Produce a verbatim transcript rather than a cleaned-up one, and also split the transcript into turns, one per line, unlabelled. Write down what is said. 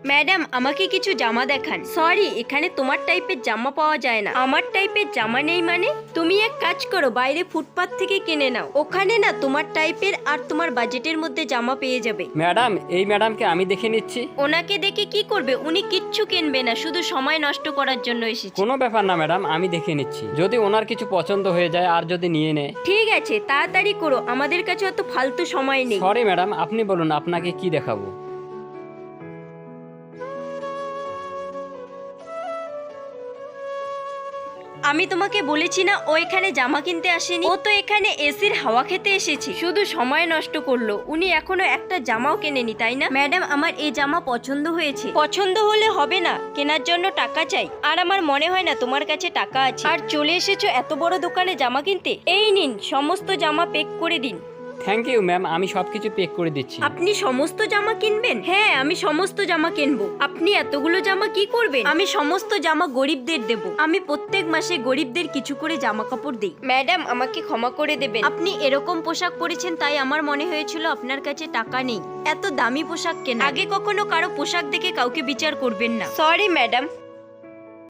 Madam আমাকে কিছু জামা দেখান। সরি, এখানে তোমার টাইপের জামা পাওয়া যায় না। আমার টাইপের জামা নেই মানে? তুমি এক কাজ করো, বাইরে ফুটপাত থেকে কিনে নাও। ওখানে না তোমার টাইপের আর তোমার বাজেটের মধ্যে জামা পেয়ে যাবে।
ম্যাডাম, এই ম্যাডামকে আমি দেখে নিচ্ছি।
ওনাকে দেখে কি করবে? উনি কিচ্ছু কিনবে না, শুধু সময় নষ্ট করার জন্য এসেছে।
কোনো ব্যাপার না ম্যাডাম, আমি দেখে নিচ্ছি। যদি ওনার কিছু পছন্দ হয়ে যায় আর যদি নিয়ে নেয়।
ঠিক আছে, তাড়াতাড়ি করো, আমাদের কাছে অত ফালতু সময় নেই।
সরি ম্যাডাম, আপনি বলুন আপনাকে কি দেখাবো।
আমি তোমাকে বলেছি না ও এখানে জামা কিনতে আসেনি, ও তো এখানে এসির হাওয়া খেতে এসেছে। শুধু সময় নষ্ট করলো। উনি এখনো একটা জামাও কেনেনি, তাই না? ম্যাডাম, আমার এই জামা পছন্দ হয়েছে। পছন্দ হলে হবে না, কেনার জন্য টাকা চাই। আর আমার মনে হয় না তোমার কাছে টাকা আছে। আর চলে এসেছো এত বড় দোকানে জামা কিনতে। এই নিন, সমস্ত জামা পেক করে দিন।
থ্যাংক ইউ ম্যাম, আমি সবকিছু পেক করে দিচ্ছি।
আপনি সমস্ত জামা কিনবেন? হ্যাঁ, আমি সমস্ত জামা কিনবো। আপনি এতগুলো জামা কি করবেন? আমি সমস্ত জামা গরিবদের দেব। আমি প্রত্যেক মাসে গরিবদের কিছু করে জামা কাপড় দিই। ম্যাডাম, আমাকে ক্ষমা করে দেবেন। আপনি এরকম পোশাক পরেছেন তাই আমার মনে হয়েছিল আপনার কাছে টাকা নেই। এত দামি পোশাক কেন? আগে কখনো কারো পোশাক দেখে কাউকে বিচার করবেন না। Sorry madam.